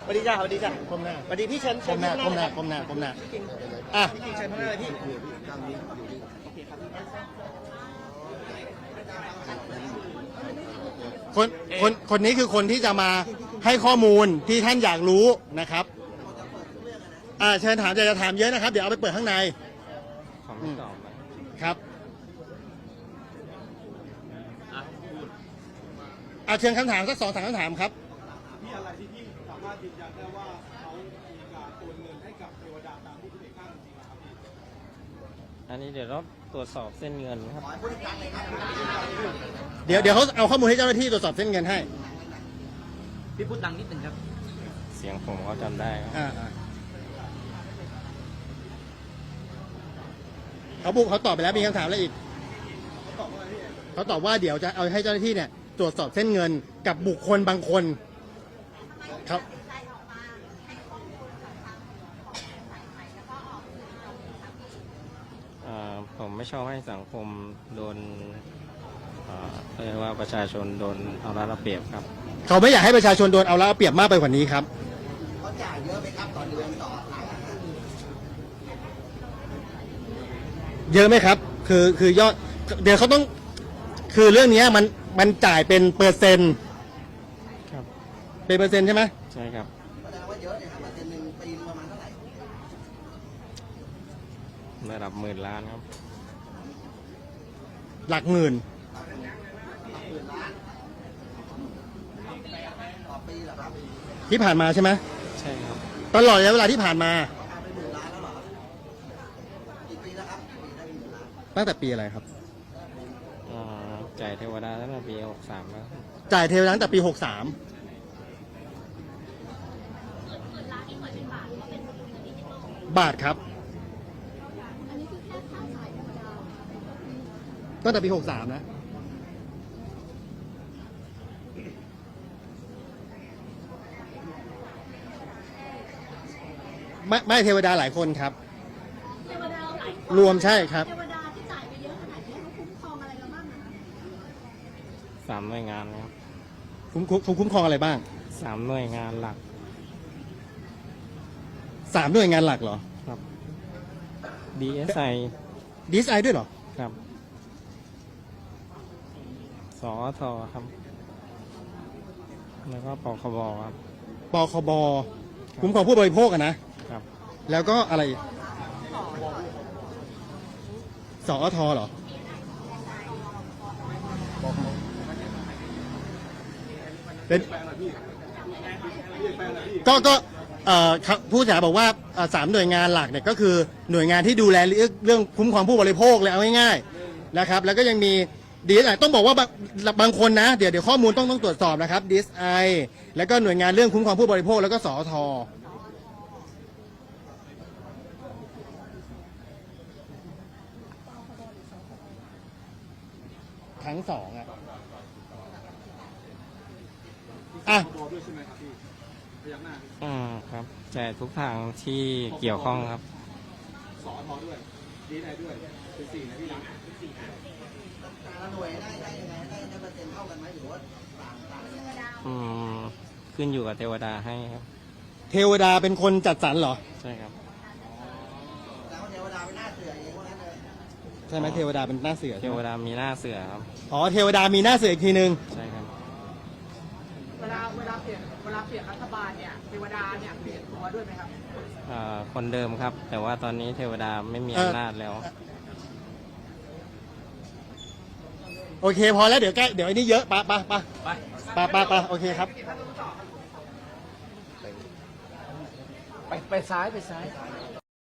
สวัสดีจ้าสวัสดีจ้าก้มหน้าสวัสดีพี่เชิญก้มหน้าก้มหน้าพี่ก้มหน้าก้มหน้ากิ่งอ่ะพี่กิ่งเชิญข้างหน้าเลยพี่คนนี้คือคนที่จะมาให้ข้อมูลที่ท่านอยากรู้นะครับเชิญถามจะถามเยอะนะครับเดี๋ยวเอาไปเปิดข้างในผมไม่ตอบนะครับเชิญคำถามสัก2-3คำถามครับมีอะไรที่พี่สามารถยืนยันได้ว่าเขามีการโอนเงินให้กับเทวดาตามที่พี่เอกอ้างจริงๆนะครับพี่อันนี้เดี๋ยวเราตรวจสอบเส้นเงินครับเดี๋ยวเขาเอาข้อมูลให้เจ้าหน้าที่ตรวจสอบเส้นเงินให้พี่พูดดังนิดหนึ่งครับเสียงผมเขาจำได้ครับเขาตอบไปแล้วมีคำถามอะไรอีกเขาตอบว่าเดี๋ยวจะเอาให้เจ้าหน้าที่เนี่ยตรวจสอบเส้นเงินกับบุคคลบางคนครับผมไม่ชอบให้สังคมโดนเรียกว่าประชาชนโดนเอารัดเอาเปรียบครับเขาไม่อยากให้ประชาชนโดนเอารัดเอาเปรียบมากไปกว่านี้ครับเยอะไหมครับคือยอดเดี๋ยวเขาต้องคือเรื่องนี้มันจ่ายเป็นเปอร์เซ็นต์ครับเป็นเปอร์เซ็นต์ใช่ไหมใช่ครับแสดงว่าเยอะเนี่ยครับเดือนหนึ่งปีนึงประมาณเท่าไหร่ระดับหมื่นล้านครับหลักหมื่นต่อปีเหรอครับที่ผ่านมาใช่ไหมใช่ครับตลอดระยะเวลาที่ผ่านมาเอาไป10,000 ล้านแล้วเหรอกี่ปีแล้วครับปีได้10,000 ล้านตั้งแต่ปีอะไรครับจ่ายเทวดาตั้งแต่ปี63แล้วครับจ่ายเทวดาตั้งแต่ปี 63 บาทครับตั้งแต่ปี 63 นะ ไม่เทวดาหลายคนครับเทวดาหลายคนรวมใช่ครับเทวดาที่จ่ายไปเยอะขนาดนี้เขาคุ้มครองอะไรเราบ้างอะคะ 3 หน่วยงานครับคุ้มครองอะไรบ้าง 3 หน่วยงานหลัก 3 หน่วยงานหลักเหรอครับ DSI DSI ด้วยเหรอครับสอทครับ แล้วก็ปคบครับปคบ คุ้มครองผู้บริโภคอะนะครับแล้วก็อะไรอีกสอทเหรอ เป็นก็ครับผู้เสียหายบอกว่า3 หน่วยงานหลักเนี่ยก็คือหน่วยงานที่ดูแลเรื่องคุ้มครองผู้บริโภคเลยเอาง่ายๆนะครับ แล้วก็ยังมี DSI ต้องบอกว่าบางคนนะเดี๋ยวข้อมูลต้องตรวจสอบนะครับ DSI แล้วก็หน่วยงานเรื่องคุ้มครองผู้บริโภคแล้วก็สอททั้งสองอ่ะตัวด้วยใช่ไหมครับพี่พยักหน้าครับจ่ายทุกทางที่เกี่ยวข้องครับสอทอด้วยดีไอด้วยเป็น4นะพี่นะแต่ละหน่วยได้ยังไงได้เปอร์เซ็นต์เท่ากันไหมหรือว่าต่างยังไงขึ้นอยู่กับเทวดาให้ครับเทวดาเป็นคนจัดสรรเหรอใช่ครับแล้วเทวดาเป็นหน้าเสือเองว่างั้นเลยใช่ไหมเทวดาเป็นหน้าเสือเทใช่ไหวมดามีหน้าเสือครับอ๋อเทวดามีหน้าเสืออีกทีนึงใช่ครับเวลาเปลี่ยนรัฐบาลเนี่ยเทวดาเนี่ยเปลี่ยนตัวด้วยไหมครับคนเดิมครับ แต่ว่าตอนนี้เทวดาไม่มีอำนาจแล้วโอเคพอแล้วเดี๋ยวไอ้นี่เยอะไปโอเคครับไปซ้าย